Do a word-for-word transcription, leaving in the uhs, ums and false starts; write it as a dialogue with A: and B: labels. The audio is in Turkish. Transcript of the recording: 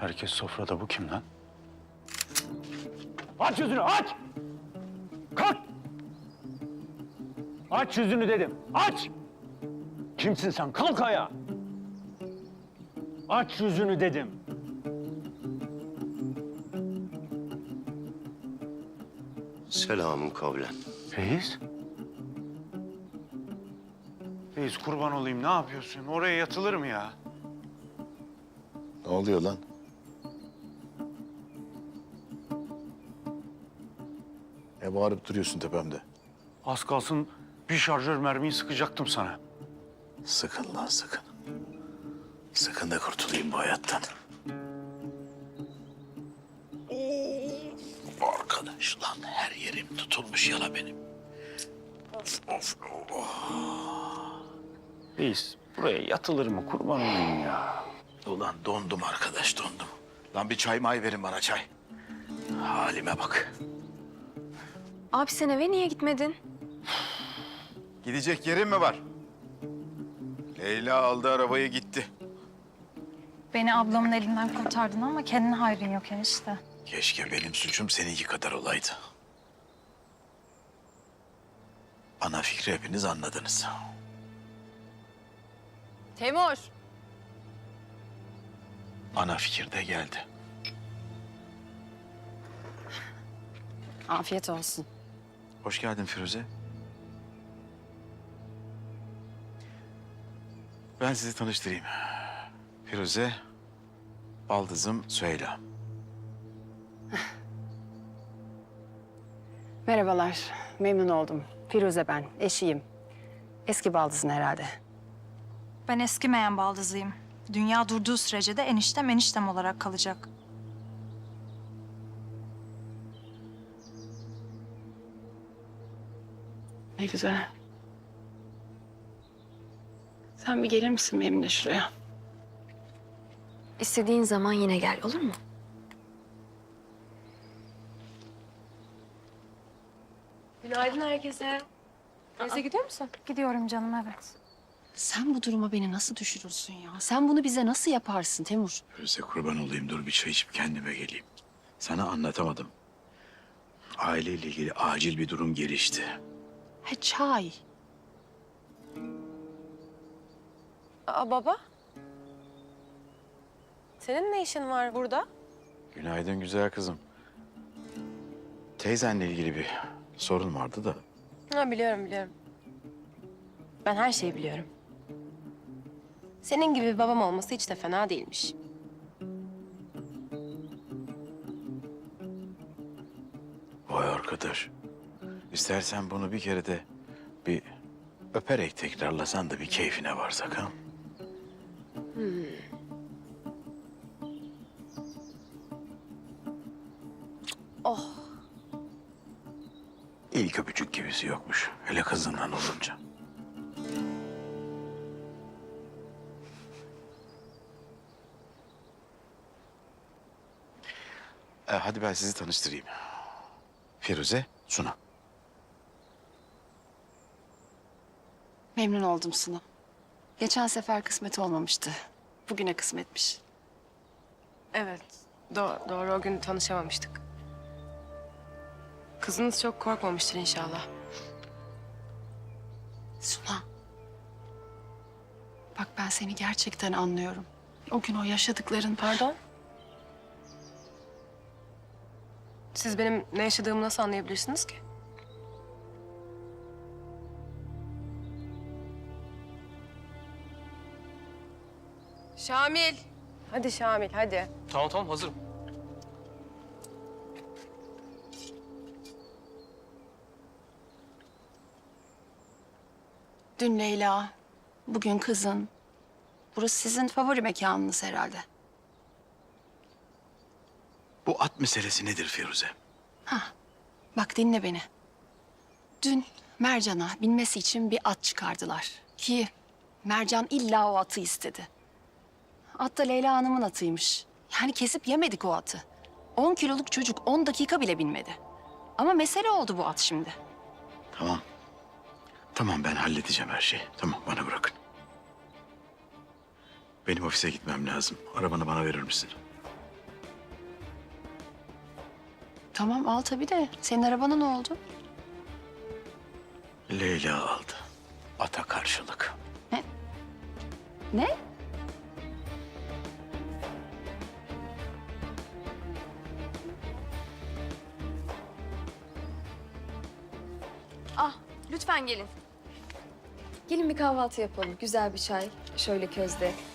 A: Herkes sofrada, bu kim lan? Aç yüzünü, aç! Kalk! Aç yüzünü dedim, aç! Kimsin sen? Kalk ayağa! Aç yüzünü dedim.
B: Selamun kavlen.
A: Reis? Reis kurban olayım, ne yapıyorsun? Oraya yatılır mı ya?
C: Ne oluyor lan? Ne bağırıp duruyorsun tepemde?
A: Az kalsın bir şarjör mermiyi sıkacaktım sana.
C: Sıkın lan sıkın. Sıkın da kurtulayım bu hayattan. Of, arkadaş lan her yerim tutulmuş yala benim. Of of of.
A: Reis, buraya yatılır mı? Kurban olayım ya.
C: Ulan dondum arkadaş dondum. Lan bir çay may verin bana çay. Halime bak.
D: Abi sen eve niye gitmedin?
C: Gidecek yerin mi var? Leyla aldı arabayı gitti.
E: Beni ablamın elinden kurtardın ama kendine hayrın yok enişte.
C: Keşke benim suçum seninki kadar olaydı. Ana fikri hepiniz anladınız.
D: Temur.
C: Ana fikir de geldi.
D: Afiyet olsun.
C: Hoş geldin Firuze. Ben sizi tanıştırayım. Firuze, baldızım Süheyla.
F: Merhabalar, memnun oldum. Firuze ben, eşiyim. Eski baldızın herhalde.
E: Ben eskimeyen baldızıyım. Dünya durduğu sürece de eniştem eniştem olarak kalacak.
F: Ne güzel. Sen bir gelir misin benimle şuraya?
D: İstediğin zaman yine gel, olur mu? Günaydın herkese. Neyse gidiyor musun?
E: Gidiyorum canım, evet.
F: Sen bu duruma beni nasıl düşürürsün ya? Sen bunu bize nasıl yaparsın Temur?
C: Firuze kurban olayım, dur bir çay içip kendime geleyim. Sana anlatamadım. Aileyle ilgili acil bir durum gelişti.
F: He çay.
G: Aa baba. Senin ne işin var burada?
C: Günaydın güzel kızım. Teyzenle ilgili bir sorun vardı da.
G: Ha biliyorum biliyorum. Ben her şeyi biliyorum. Senin gibi bir babam olması hiç de fena değilmiş.
C: Vay arkadaş. İstersen bunu bir kere de bir öperek tekrarlasan da bir keyfine varsak ha.
G: Oh.
C: İlk öpücük gibisi yokmuş. Hele kızından olunca. Ee, hadi ben sizi tanıştırayım. Firuze, Suna.
F: Memnun oldum Suna. Geçen sefer kısmet olmamıştı. Bugüne kısmetmiş.
G: Evet. Do- doğru o gün tanışamamıştık. Kızınız çok korkmamıştır inşallah.
F: Suna. Bak ben seni gerçekten anlıyorum. O gün o yaşadıkların...
G: Pardon? Siz benim ne yaşadığımı nasıl anlayabilirsiniz ki? Şamil. Hadi Şamil hadi.
H: Tamam tamam hazırım.
F: Dün Leyla, bugün kızın. Burası sizin favori mekanınız herhalde.
C: Bu at meselesi nedir Firuze?
F: Bak dinle beni. Dün Mercan'a binmesi için bir at çıkardılar. Ki Mercan illa o atı istedi. At da Leyla Hanım'ın atıymış. Yani kesip yemedik o atı. On kiloluk çocuk on dakika bile binmedi. Ama mesele oldu bu at şimdi.
C: Tamam. Tamam ben halledeceğim her şeyi. Tamam bana bırakın. Benim ofise gitmem lazım. Arabanı bana verir misin?
F: Tamam al tabii de senin arabana ne oldu?
C: Leyla aldı. Ata karşılık.
F: Ne?
D: Ah, lütfen gelin. Gelin bir kahvaltı yapalım. Güzel bir çay, şöyle közde.